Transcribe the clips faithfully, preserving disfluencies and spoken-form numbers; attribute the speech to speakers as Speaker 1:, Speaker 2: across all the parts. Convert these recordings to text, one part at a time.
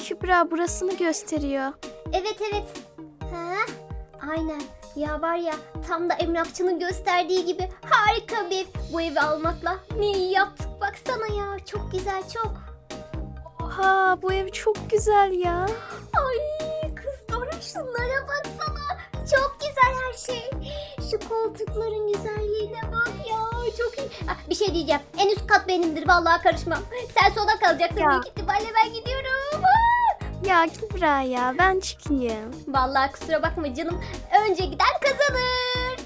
Speaker 1: Kübra burasını gösteriyor.
Speaker 2: Evet evet. Ha? Aynen. Ya var ya, tam da emlakçının gösterdiği gibi harika bir ev. Bu evi almakla ne iyi yaptık, baksana ya. Çok güzel, çok.
Speaker 1: Oha, bu ev çok güzel ya.
Speaker 2: Ay kız Dora, şunlara baksana. Çok güzel her şey. Şu koltukların güzelliğine bak ya. Çok iyi. Ah, bir şey diyeceğim. En üst kat benimdir. Vallahi karışmam. Sen sona kalacaksın.
Speaker 1: Ya.
Speaker 2: Büyük ihtimalle ben gidiyorum. Ah!
Speaker 1: Ya Kübra ya, ben çıkayım.
Speaker 2: Vallahi kusura bakma canım. Önce giden kazanır.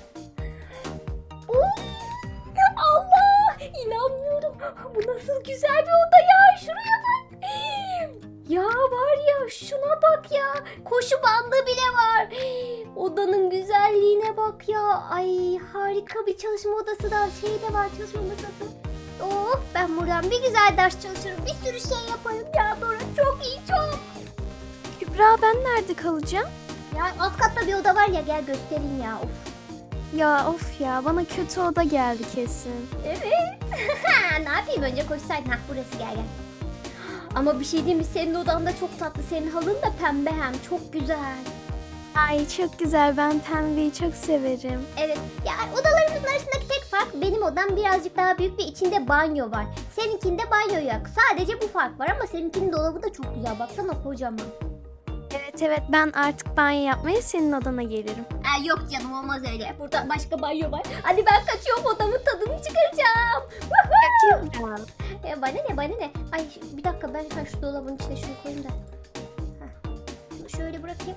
Speaker 2: Uy! Allah! İnanmıyorum. Bu nasıl güzel bir oda ya. Şuraya bak. Ya var ya, şuna bak ya. Koşu bandı bile var. Odanın güzelliğine bak ya. Ay harika bir çalışma odası da şey de var, çalışma masası. Oh, ben buradan bir güzel ders çalışırım. Bir sürü şey yaparım ya Dora. Çok iyi, çok.
Speaker 1: Kübra, ben nerede kalacağım?
Speaker 2: Ya alt katta bir oda var ya, gel göstereyim ya. Of.
Speaker 1: Ya of ya, bana kötü oda geldi kesin.
Speaker 2: Evet. Ne yapayım, önce koşsaydın. Hah, burası, gel gel. Ama bir şey diyeyim mi, senin odan da çok tatlı. Senin halın da pembe, hem çok güzel.
Speaker 1: Ay çok güzel, ben pembeyi çok severim.
Speaker 2: Evet. Ya odalarımızın arasındaki tek fark, benim odam birazcık daha büyük ve içinde banyo var. Seninkinde banyo yok. Sadece bu fark var ama seninkinin dolabı da çok güzel. Baksana, kocaman.
Speaker 1: Evet evet, ben artık banyo yapmaya senin odana gelirim.
Speaker 2: Aa, yok canım, olmaz öyle. Burada başka banyo var. Hadi ben kaçıyorum, odamın tadını çıkaracağım.
Speaker 1: Ya Kübra.
Speaker 2: Ya bana ne, bana ne? Ay bir dakika, ben ha, şu dolabın içine şunu koyayım da. Heh. Şunu şöyle bırakayım.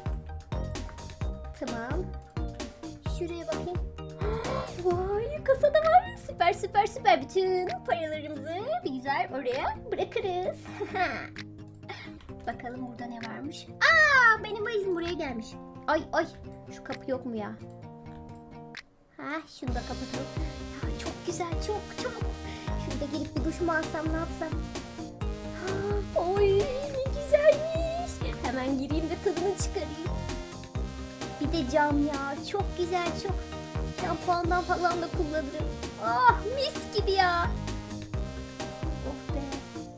Speaker 2: Tamam. Şuraya bakayım. Vay, kasada var. Süper süper süper. Bütün paralarımızı bir güzel oraya bırakırız. Bakalım burada ne varmış. Aa, benim valizim buraya gelmiş. Ay ay, şu kapı yok mu ya? Ha, şunu da kapatalım. Ya çok güzel, çok çok. Şurada gelip bir duş mu alsam, ne yapsam? Ha, oy ne güzelmiş. Hemen gireyim de tadını çıkarayım. Bir de cam ya, çok güzel, çok. Şampuandan falan da kullanırım. Ah, mis gibi ya. Oh be.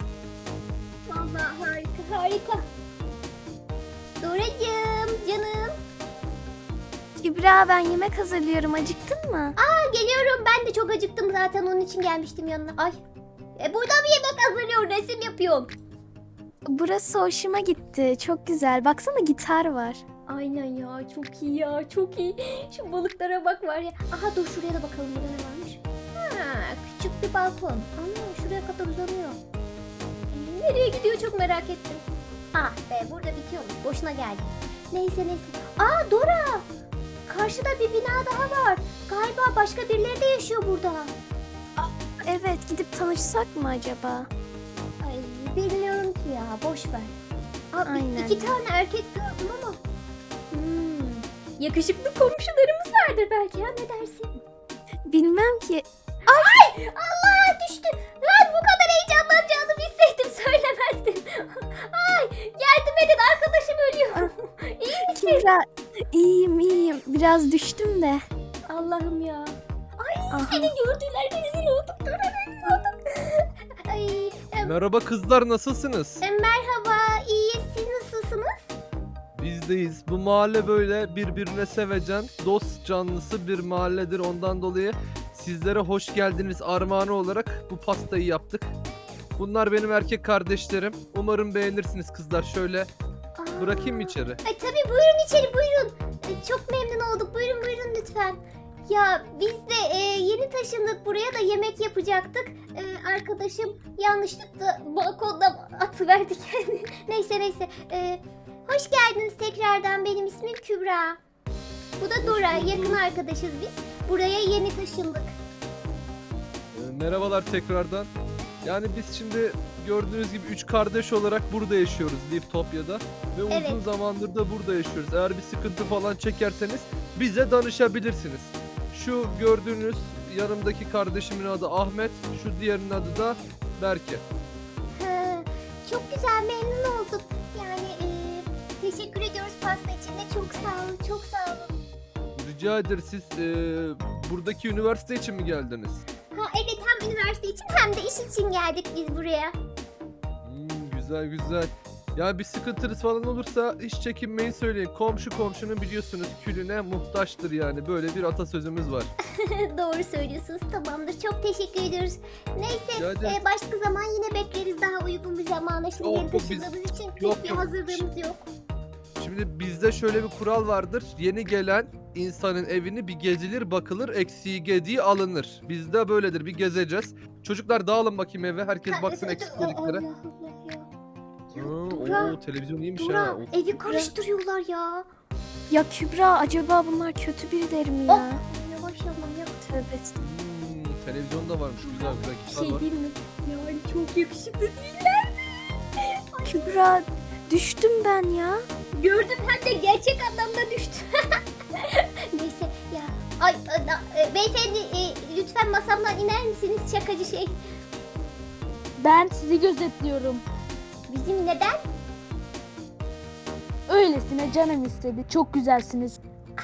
Speaker 2: Vallahi harika harika. Doracığım canım.
Speaker 1: Kübra, ben yemek hazırlıyorum, acıktın mı?
Speaker 2: Aa, geliyorum, ben de çok acıktım zaten, onun için gelmiştim yanına. Ay. E, burada bir yemek hazırlıyor, resim yapıyorum.
Speaker 1: Burası hoşuma gitti, çok güzel. Baksana, gitar var.
Speaker 2: Aynen ya, çok iyi ya, çok iyi. Şu balıklara bak var ya. Aha dur, şuraya da bakalım, burada ne varmış. Ha, küçük bir balkon. Ana, şuraya kadar uzanıyor. Ee, nereye gidiyor, çok merak ettim. Ah be, burada bitiyormuş, boşuna geldi. Neyse neyse. Aa Dora, karşıda bir bina daha var. Galiba başka birileri de yaşıyor burada.
Speaker 1: Evet, gidip tanışsak mı acaba?
Speaker 2: Ay bilmiyorum ki ya, boş ver. Aa,
Speaker 1: Aynen.
Speaker 2: iki tane erkek gördüm ama. Hmm, yakışıklı komşularımız vardır belki, ha, ne dersin?
Speaker 1: Bilmem ki.
Speaker 2: Ay Allah, düştü. Lan bu kadar heyecanlanacağını bilseydim söylemezdim. Ay yardım edin, arkadaşım ölüyor. İyi misin?
Speaker 1: Kübra, iyiyim iyiyim. Biraz düştüm de.
Speaker 2: Allah'ım ya. Ay
Speaker 1: Aha.
Speaker 2: seni gördüler, rezil olduk. Dur, rezil olduk. Ay e,
Speaker 3: Merhaba kızlar, nasılsınız?
Speaker 2: e, merhaba, iyiyiz, siz nasılsınız?
Speaker 3: Bizdeyiz. Bu mahalle böyle birbirine sevecen, dost canlısı bir mahalledir. Ondan dolayı sizlere hoş geldiniz armağanı olarak bu pastayı yaptık. Bunlar benim erkek kardeşlerim. Umarım beğenirsiniz kızlar. Şöyle
Speaker 2: Aa.
Speaker 3: bırakayım mı içeri?
Speaker 2: Ay tabii, buyurun içeri, buyurun. E, çok memnun olduk, buyurun buyurun lütfen. Ya biz de e, yeni taşındık buraya, da yemek yapacaktık. E, arkadaşım yanlışlıkla balkonda atıverdi kendini. Neyse neyse. E, hoş geldiniz tekrardan, benim ismim Kübra. Bu da Dora,
Speaker 3: bulduk.
Speaker 2: yakın arkadaşız biz. Buraya yeni taşındık.
Speaker 3: Ee, merhabalar tekrardan. Yani biz şimdi gördüğünüz gibi üç kardeş olarak burada yaşıyoruz Liftopya'da. Ve
Speaker 2: Evet.
Speaker 3: uzun zamandır da burada yaşıyoruz. Eğer bir sıkıntı falan çekerseniz bize danışabilirsiniz. Şu gördüğünüz yanımdaki kardeşimin adı Ahmet, şu diğerinin adı da Berke.
Speaker 2: Ha, çok güzel, memnun olduk. Yani e, teşekkür ediyoruz pasta için de, çok sağ olun, çok sağ olun.
Speaker 3: Rica ederiz, siz e, buradaki üniversite için mi geldiniz?
Speaker 2: Ha evet, hem üniversite için hem de iş için geldik biz buraya.
Speaker 3: Hmm, güzel güzel. Yani bir sıkıntınız falan olursa hiç çekinmeyin söyleyin. Komşu komşunun biliyorsunuz külüne muhtaçtır yani. Böyle bir atasözümüz var.
Speaker 2: Doğru söylüyorsunuz. Tamamdır. Çok teşekkür ediyoruz. Neyse
Speaker 3: Rica ederim.
Speaker 2: e, başka zaman yine bekleriz daha uygun bir zamana. Şimdi
Speaker 3: Yok,
Speaker 2: yeni
Speaker 3: yok, biz-
Speaker 2: taşındığımız için pek
Speaker 3: yok,
Speaker 2: bir
Speaker 3: yok.
Speaker 2: hazırlığımız yok.
Speaker 3: Şimdi bizde şöyle bir kural vardır. Yeni gelen insanın evini bir gezilir bakılır, eksiği gediği alınır. Bizde böyledir, bir gezeceğiz. Çocuklar dağılın bakayım eve, herkes baksın eksikliklere.
Speaker 2: Allah Allah ya. Ya
Speaker 3: Ha,
Speaker 2: Dora,
Speaker 3: oo, televizyon iyiymiş ha.
Speaker 2: Dora
Speaker 3: Of.
Speaker 2: evi karıştırıyorlar ya.
Speaker 1: Ya Kübra acaba bunlar kötü birileri mi
Speaker 2: Oh.
Speaker 1: ya?
Speaker 2: Yavaş yavrum ya.
Speaker 1: Tövbe estağfurullah.
Speaker 3: Hmm, televizyon da varmış, güzel güzel
Speaker 2: Bir
Speaker 3: kitap
Speaker 2: şey
Speaker 3: var.
Speaker 2: değil mi? Yani çok yakışıklı değiller mi?
Speaker 1: Kübra düştüm ben ya.
Speaker 2: Gördüm hem de gerçek anlamda düştü. Neyse ya. Ay e, da- e, beyefendi e, lütfen masamdan iner misiniz şakacı şey?
Speaker 4: Ben sizi gözetliyorum.
Speaker 2: Bizim neden?
Speaker 4: Öylesine canım istedi. Çok güzelsiniz.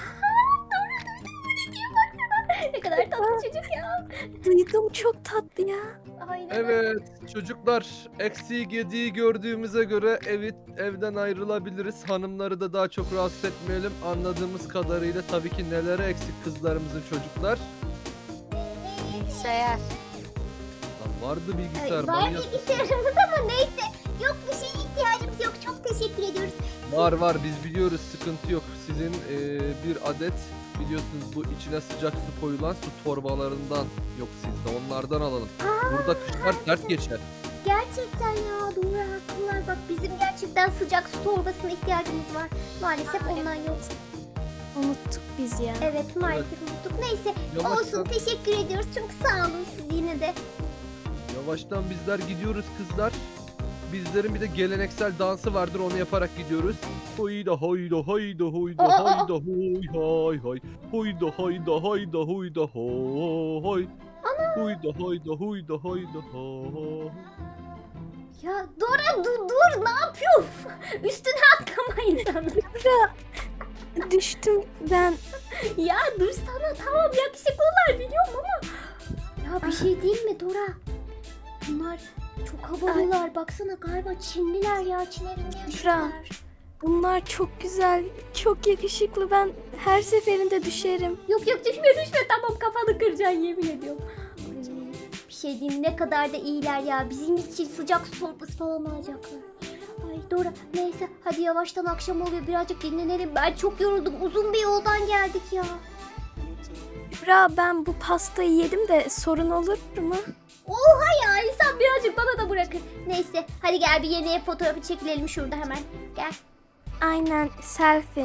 Speaker 2: Ne kadar tatlı çocuk ya.
Speaker 1: Duydum çok tatlı ya.
Speaker 2: Aynen.
Speaker 3: Evet çocuklar, eksiği gediği gördüğümüze göre evi evden ayrılabiliriz. Hanımları da daha çok rahatsız etmeyelim. Anladığımız kadarıyla tabii ki nelere eksik kızlarımızın çocuklar.
Speaker 4: Bilgisayar.
Speaker 3: Lan vardı
Speaker 2: Ay,
Speaker 3: bilgisayar.
Speaker 2: var
Speaker 3: manyak.
Speaker 2: bilgisayarımız ama neyse. Yok bir şeye ihtiyacımız yok. Çok teşekkür ediyoruz.
Speaker 3: Var var biz biliyoruz, sıkıntı yok. Sizin eee, bir adet biliyorsunuz bu içine sıcak su koyulan su torbalarından yok sizde, onlardan alalım. Burada kışlar sert geçer.
Speaker 2: Gerçekten ya doğru haklılar. Bak bizim gerçekten sıcak su torbasına ihtiyacımız var. Maalesef ondan yok.
Speaker 1: Unuttuk biz ya.
Speaker 2: Evet maalesef unuttuk. Neyse olsun
Speaker 3: Yavaştan,
Speaker 2: teşekkür ediyoruz. Çok sağ olun siz yine de.
Speaker 3: yavaştan bizler gidiyoruz kızlar. Bizlerin bir de geleneksel dansı vardır, onu yaparak gidiyoruz. Hoyda hayda hayda hoyda
Speaker 2: Aa, aa, aa.
Speaker 3: hayda hoy hay hay. Hoyda hayda hayda hoyda hoy hay. Hoyda hayda hoyda hayda hay.
Speaker 2: Ya Dora dur dur ne yapıyorsun? Üstüne atlama insanı.
Speaker 1: Kübra düştüm ben.
Speaker 2: Ya dur sana tamam yakışıklılar biliyorum ama. Ya bir şey değil mi Dora? Bunlar çok havalılar. Baksana galiba Çinliler ya. Çin evinde yaşıyorlar.
Speaker 1: Bunlar çok güzel, çok yakışıklı. Ben her seferinde düşerim.
Speaker 2: Yok yok düşme düşme tamam kafanı kıracaksın yemin ediyorum. Ay, bir şey diyeyim ne kadar da iyiler ya. Bizim için sıcak su torbası falan alacaklar. Ay Dora neyse hadi yavaştan akşam oluyor birazcık dinlenelim. Ben çok yoruldum uzun bir yoldan geldik ya.
Speaker 1: Kübra ben bu pastayı yedim de sorun olur mu?
Speaker 2: Oha ya insan birazcık bana da bırakır. Neyse hadi gel bir yeni ev fotoğrafı çekilelim şurada hemen. Gel.
Speaker 1: Aynen selfie.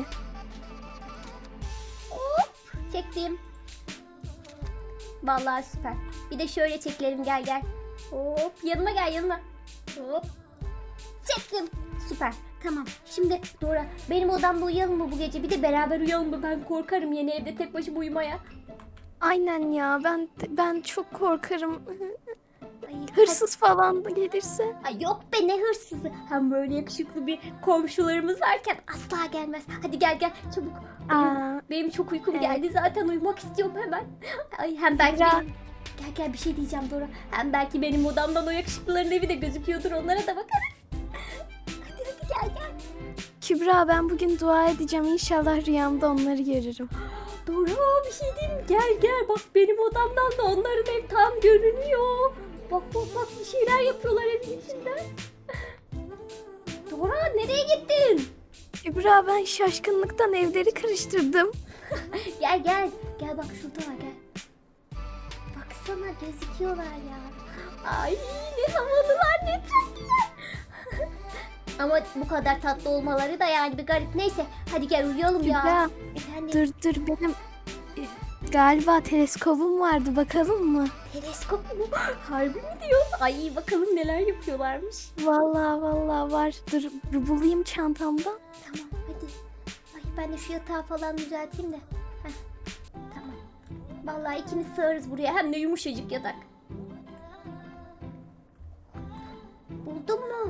Speaker 2: Çektim. Vallahi süper. Bir de şöyle çekilelim gel gel. Hop yanıma gel yanıma. Hop. Çektim. Süper. Tamam. Şimdi Dora benim odamda uyuyalım mı bu gece? Bir de beraber uyuyalım mı? Ben korkarım yeni evde tek başıma uyumaya.
Speaker 1: Aynen ya ben ben çok korkarım.
Speaker 2: Ay,
Speaker 1: Hırsız falan da gelirse.
Speaker 2: Ay yok be ne hırsızı. Hem böyle yakışıklı bir komşularımız varken asla gelmez. Hadi gel gel çabuk. Benim,
Speaker 1: Aa,
Speaker 2: benim çok uykum
Speaker 1: evet.
Speaker 2: geldi zaten uyumak istiyorum hemen. Ay hem belki
Speaker 1: Ya.
Speaker 2: benim- Gel gel bir şey diyeceğim Dora. Hem belki benim odamdan o yakışıklıların evi de gözüküyordur onlara da bakarız. Hadi hadi gel gel.
Speaker 1: Kübra ben bugün dua edeceğim. İnşallah rüyamda onları görürüm.
Speaker 2: Dora bir şey diyeyim mi? Gel gel bak benim odamdan da onların ev tam görünüyor. Bak bak bak bir şeyler yapıyorlar evin içinde. Dora nereye gittin?
Speaker 1: Kübra ben şaşkınlıktan evleri karıştırdım.
Speaker 2: Gel gel. Gel bak şuradalar gel. Baksana gözüküyorlar ya. Ay ne havalılar ne tatlılar. Ama bu kadar tatlı olmaları da yani bir garip. Neyse hadi gel uyuyalım ya.
Speaker 1: Kübra
Speaker 2: Efendim
Speaker 1: dur dur benim e, galiba teleskobum vardı bakalım mı?
Speaker 2: teleskop mu? Harbi mi diyorsun? Ay bakalım neler yapıyorlarmış.
Speaker 1: Vallahi vallahi var. Dur bir bulayım çantamdan.
Speaker 2: Tamam hadi. Ay ben de şu yatağı falan düzelteyim de. Heh, tamam. Vallahi ikimiz sığarız buraya. Hem de yumuşacık yatak. Buldun mu?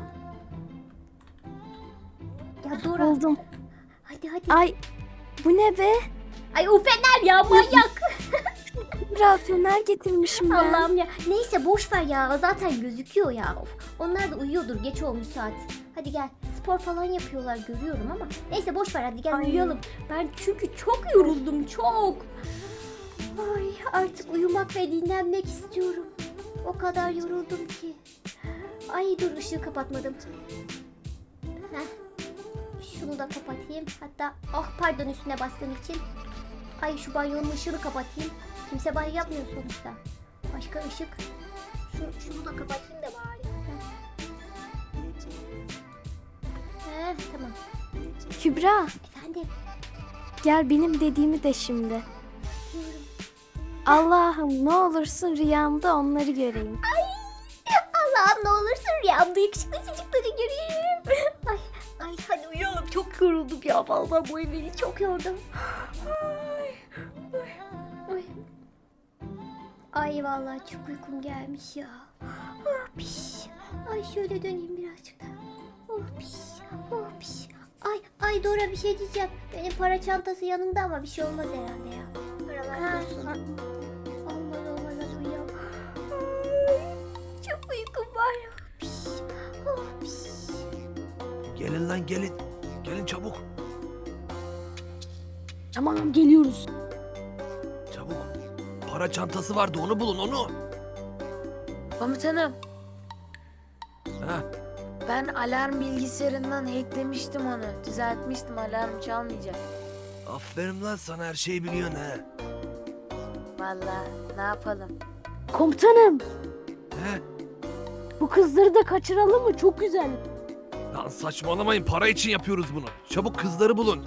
Speaker 2: Ya Dora.
Speaker 1: Buldum.
Speaker 2: Hadi hadi.
Speaker 1: Ay bu ne be?
Speaker 2: Ay o fener ya manyak.
Speaker 1: Kübra fener getirmişim ben.
Speaker 2: Allah'ım ya. Neyse boş ver ya. Zaten gözüküyor ya. Of. Onlar da uyuyordur. Geç olmuş saat. Hadi gel. spor falan yapıyorlar görüyorum ama. Neyse boş ver hadi gel
Speaker 1: Ay.
Speaker 2: uyuyalım. Ben çünkü çok yoruldum çok. Ay artık uyumak ve dinlenmek istiyorum. O kadar yoruldum ki. Ay dur ışığı kapatmadım. Heh. Şunu da kapatayım. Hatta ah pardon üstüne bastığım için. Ay şu banyonun ışığını kapatayım. Kimse banyo yapmıyor sonuçta. Başka ışık. Şu, şunu da kapatayım da bari. Heh. Heh, tamam.
Speaker 1: Kübra,
Speaker 2: Efendim.
Speaker 1: gel benim dediğimi de şimdi.
Speaker 2: Diyorum.
Speaker 1: Allah'ım ne olursun rüyamda onları göreyim.
Speaker 2: Ay Allah'ım ne olursun rüyamda yakışıklı çocukları göreyim. Ay, ay hadi uyuyalım. Çok yoruldum ya. Vallahi bu ev beni çok yordu. Ay, ay, ay. Ay vallahi çok uykum gelmiş ya. Oh piş. Ay şöyle döneyim birazcık da. Oh piş. Oh piş. Ay ay Dora bir şey diyeceğim. Benim para çantası yanımda ama bir şey olmaz herhalde ya. Paralar dursun. Olmaz olmaz hadi uyuyalım. Ay, çok uykum var ya. Piş. Oh piş.
Speaker 3: Gelin lan gelin. Gelin çabuk.
Speaker 4: Tamam geliyoruz.
Speaker 3: Çabuk. Para çantası vardı onu bulun onu.
Speaker 5: Komutanım,
Speaker 3: Ha,
Speaker 5: ben alarm bilgisayarından hacklemiştim onu. Düzeltmiştim, alarm çalmayacak.
Speaker 3: aferin lan sana her şeyi biliyorsun ha.
Speaker 5: Vallahi ne yapalım?
Speaker 4: Komutanım
Speaker 3: He?
Speaker 4: bu kızları da kaçıralım mı? Çok güzel.
Speaker 3: Lan saçmalamayın para için yapıyoruz bunu. Çabuk kızları bulun.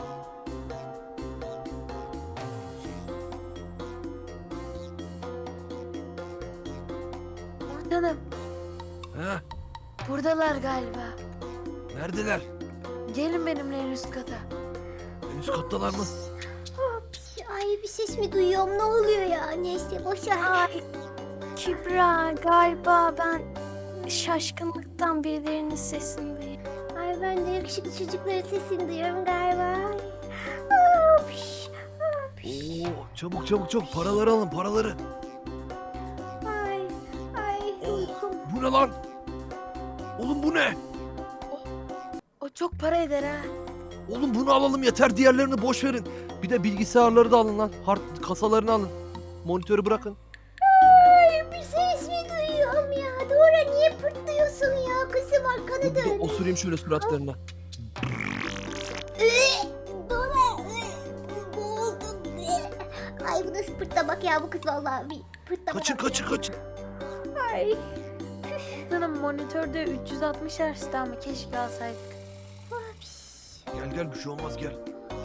Speaker 5: Komutanım,
Speaker 3: Ha?
Speaker 5: buradalar galiba.
Speaker 3: Neredeler?
Speaker 5: Gelin benimle en üst kata.
Speaker 3: En üst kattalar mı?
Speaker 2: Oh piş. Ay bir ses mi duyuyorum ne oluyor ya? Neyse boşver.
Speaker 1: Ay Kübra, galiba ben şaşkınlıktan birilerinin sesini duyuyorum.
Speaker 2: Ay ben de yakışıklı çocukların sesini duyuyorum galiba. Oh piş. Oh piş.
Speaker 3: Oo, çabuk çabuk çabuk paraları alın paraları.
Speaker 2: Ay. Ay uykum.
Speaker 3: Bu ne lan? Oğlum bu ne?
Speaker 5: O çok para eder ha.
Speaker 3: Oğlum bunu alalım yeter diğerlerini boş verin. Bir de bilgisayarları da alın lan. Hard kasalarını alın. Monitörü bırakın.
Speaker 2: Ay bir ses mi duyuyorum ya? Dora niye pırtlıyorsun ya? Kızım arkanı
Speaker 3: Bir
Speaker 2: dön.
Speaker 3: osurayım şöyle suratlarına.
Speaker 2: Dora. Boğuldum. Ay bu nasıl pırtlamak ya bu kız vallahi bir pırtlamak.
Speaker 3: Kaçın kaçın kaçın.
Speaker 2: Ay.
Speaker 5: Komutanım monitörde üç yüz altmış Hz'ti ama keşke alsaydık.
Speaker 3: Gel gel bir şey olmaz gel.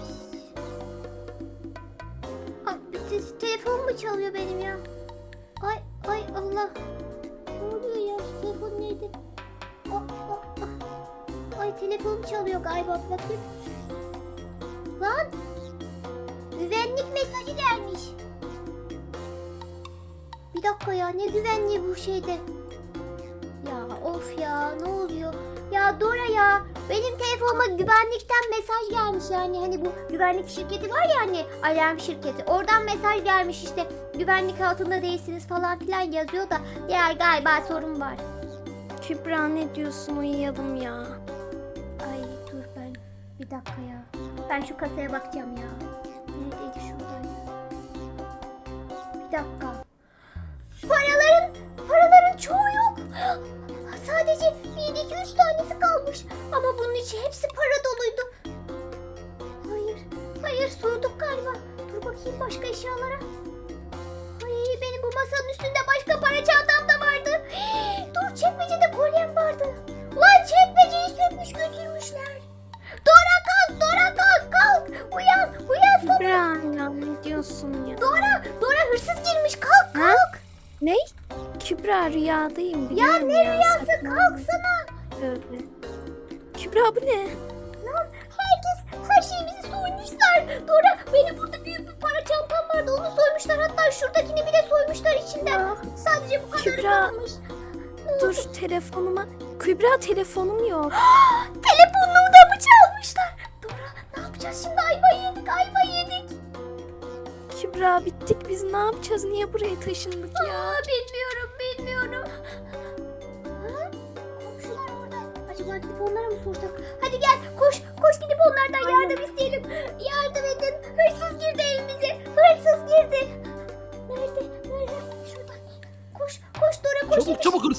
Speaker 2: Ay, bir te- telefon mu çalıyor benim ya? Ay ay Allah. Ne oluyor ya? Şu telefon neydi? Aa, aa, aa. Ay telefonum çalıyor galiba. Bakayım. Lan. Güvenlik mesajı gelmiş. Bir dakika ya ne güvenliği bu şeyde? Ya of ya ne oluyor? Ya Dora ya benim telefonuma güvenlikten mesaj gelmiş yani hani bu güvenlik şirketi var ya hani alarm şirketi oradan mesaj gelmiş işte güvenlik altında değilsiniz falan filan yazıyor da ya galiba sorun var.
Speaker 1: Kübra ne diyorsun, uyuyalım ya.
Speaker 2: Ay dur ben bir dakika ya ben şu kasaya bakacağım ya. Neredeydi şuradaydı. Bir dakika. Paraların paraların çoğu yok. Sadece bir, iki, üç tanesi kalmış. Ama bunun içi hepsi para doluydu. Hayır, hayır sorduk galiba. Dur bakayım başka eşyalara. Ay benim bu masanın üstünde başka para çantam da vardı. Dur çekmecede kolyem vardı. Lan çekmeceyi sökmüş götürmüşler. Dora kalk, Dora kalk, kalk. Uyan, uyansana.
Speaker 1: Kübra ya ne diyorsun ya?
Speaker 2: Dora, Dora hırsız girmiş. Kalk, kalk.
Speaker 1: Ne? Kübra rüyadayım
Speaker 2: Ya
Speaker 1: biliyorum
Speaker 2: ne
Speaker 1: ya.
Speaker 2: rüyası?
Speaker 1: saçmalama.
Speaker 2: Kalksana.
Speaker 1: Tövbe. Kübra bu ne?
Speaker 2: Lan herkes her şeyimizi soymuşlar. Dora benim burada büyük bir para çantam vardı onu soymuşlar. Hatta şuradakini bile soymuşlar içinden.
Speaker 1: Ah,
Speaker 2: Sadece bu kadarı
Speaker 1: Kübra.
Speaker 2: kalmış.
Speaker 1: Dur telefonuma. Kübra telefonum yok.
Speaker 2: Telefonumu da mı çalmışlar? Dora ne yapacağız şimdi? Ayva yedik ayva yedik.
Speaker 1: Kübra bittik biz, ne yapacağız? Niye buraya taşındık ya?
Speaker 2: Aa, bilmiyorum bilmiyorum. Ha? Komşular orada. Acaba gidip onlara mı sorsak? Hadi gel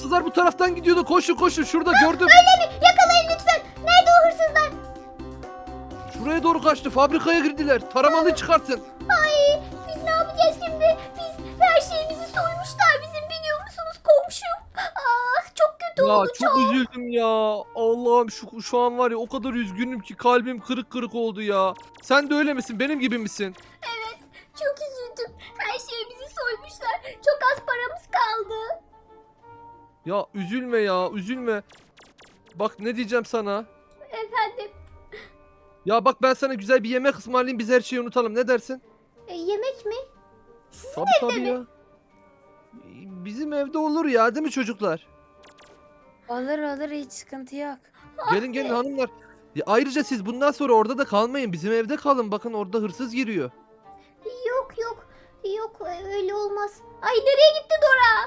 Speaker 3: hırsızlar bu taraftan gidiyordu. Koşun koşun, şurada gördüm.
Speaker 2: Öyle mi? Yakalayın lütfen. Nerede o hırsızlar?
Speaker 3: Şuraya doğru kaçtı. Fabrikaya girdiler. Taramalıyı çıkartın.
Speaker 2: Ay biz ne yapacağız şimdi? Biz her şeyimizi soymuşlar bizim, biliyor musunuz komşum? Ah çok kötü
Speaker 3: Ya
Speaker 2: oldu
Speaker 3: çok
Speaker 2: çok.
Speaker 3: üzüldüm ya. Allah'ım şu, şu an var ya, o kadar üzgünüm ki kalbim kırık kırık oldu ya. Sen de öyle misin? Benim gibi misin?
Speaker 2: Evet çok üzüldüm. Her şeyimizi soymuşlar. Çok az paramız kaldı.
Speaker 3: Ya üzülme ya, üzülme. Bak ne diyeceğim sana.
Speaker 2: Efendim
Speaker 3: Ya bak, ben sana güzel bir yemek ısmarlayayım, biz her şeyi unutalım. Ne dersin?
Speaker 2: e, yemek mi?
Speaker 3: Tabii tabii
Speaker 2: mi?
Speaker 3: ya. Bizim evde olur ya, değil mi çocuklar?
Speaker 5: Olur olur, hiç sıkıntı yok.
Speaker 3: Gelin gelin hanımlar. Ya ayrıca siz bundan sonra orada da kalmayın. Bizim evde kalın. Bakın orada hırsız giriyor.
Speaker 2: Yok yok. Yok öyle olmaz. Ay nereye gitti Dora?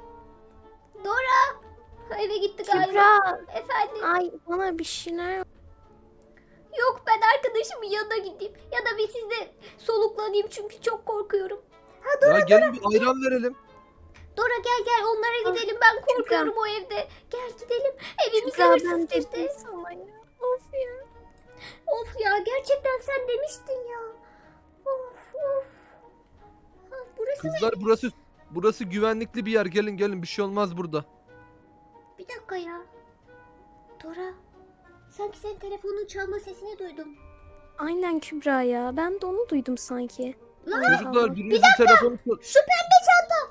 Speaker 2: Dora. Eve gitti galiba.
Speaker 1: Kübra.
Speaker 2: Efendim.
Speaker 1: Ay bana bir şeyler.
Speaker 2: Yok ben arkadaşımın yanına gideyim. Ya da bir sizde soluklanayım çünkü çok korkuyorum.
Speaker 3: Ya gelin bir ayran verelim.
Speaker 2: Dora gel gel onlara gidelim. Ben korkuyorum o evde. Gel gidelim. Evimize
Speaker 1: Kübra
Speaker 2: hırsız
Speaker 1: ben
Speaker 2: girdi.
Speaker 1: dedim sana ya. Of ya.
Speaker 2: Of ya gerçekten sen demiştin ya. Of of. Ha, burası mı?
Speaker 3: Kızlar burası burası güvenlikli bir yer. Gelin gelin, bir şey olmaz burada.
Speaker 2: Bir dakika ya. Dora. Sanki senin telefonun çalma sesini duydum.
Speaker 1: Aynen Kübra ya. Ben de onu duydum sanki.
Speaker 2: Lan
Speaker 1: Allah
Speaker 3: Çocuklar
Speaker 1: Allah.
Speaker 3: birinizin telefonu çal-
Speaker 2: şu pembe çanta.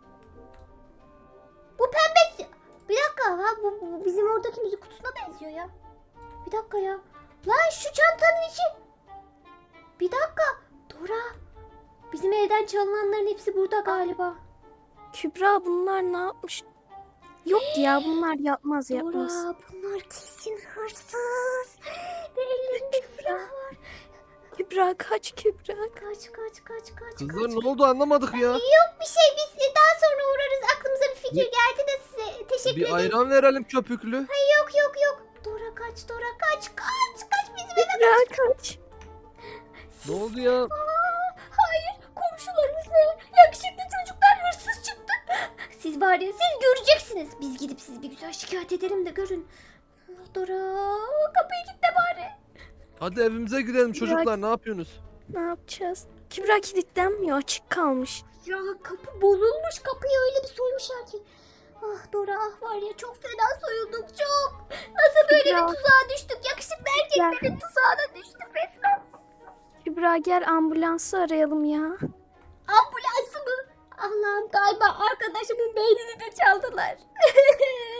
Speaker 2: Bu pembe... Bir dakika ha bu, bu bizim oradaki müzik kutusuna benziyor ya. Bir dakika ya. Lan şu çantanın içi. Bir dakika. Dora. Bizim evden çalınanların hepsi burada galiba.
Speaker 1: Kübra bunlar ne yapmış? Yok ya, bunlar yapmaz yapmaz.
Speaker 2: Dora bunlar kesin hırsız. Ve ellerinde silah var.
Speaker 1: Kübra kaç Kübra.
Speaker 2: Kaç kaç kaç kaç
Speaker 3: Kızlar
Speaker 2: kaç.
Speaker 3: ne oldu, anlamadık ya.
Speaker 2: Yok bir şey, biz daha sonra uğrarız. Aklımıza bir fikir
Speaker 3: Ne?
Speaker 2: geldi de size teşekkür
Speaker 3: Bir
Speaker 2: ederim.
Speaker 3: ayran verelim köpüklü.
Speaker 2: Yok yok yok. Dora kaç Dora kaç kaç kaç bizim eve.
Speaker 1: Kübra kaç.
Speaker 3: Ne oldu ya?
Speaker 2: Aa, hayır komşularımız ne? Yakışıklı çocuklar hırsız çıktı. Siz var ya siz göreceksiniz. Biz gidip sizi bir güzel şikayet edelim de görün. Dora kapıyı kilitle bari.
Speaker 3: Hadi evimize gidelim çocuklar, ne yapıyorsunuz?
Speaker 1: Ne yapacağız? Kübra kilitlenmiyor, açık kalmış.
Speaker 2: Ya kapı bozulmuş, kapıyı öyle bir soymuşlar ki. Ah Dora ah var ya çok fena soyulduk çok. Nasıl böyle
Speaker 1: Ya.
Speaker 2: bir tuzağa düştük? Yakışıklı erkeklerin tuzağına düştük resmen.
Speaker 1: Kübra gel ambulansı arayalım ya.
Speaker 2: Ambulansı mı? Allah'ım galiba arkadaşımın beynini de çaldılar.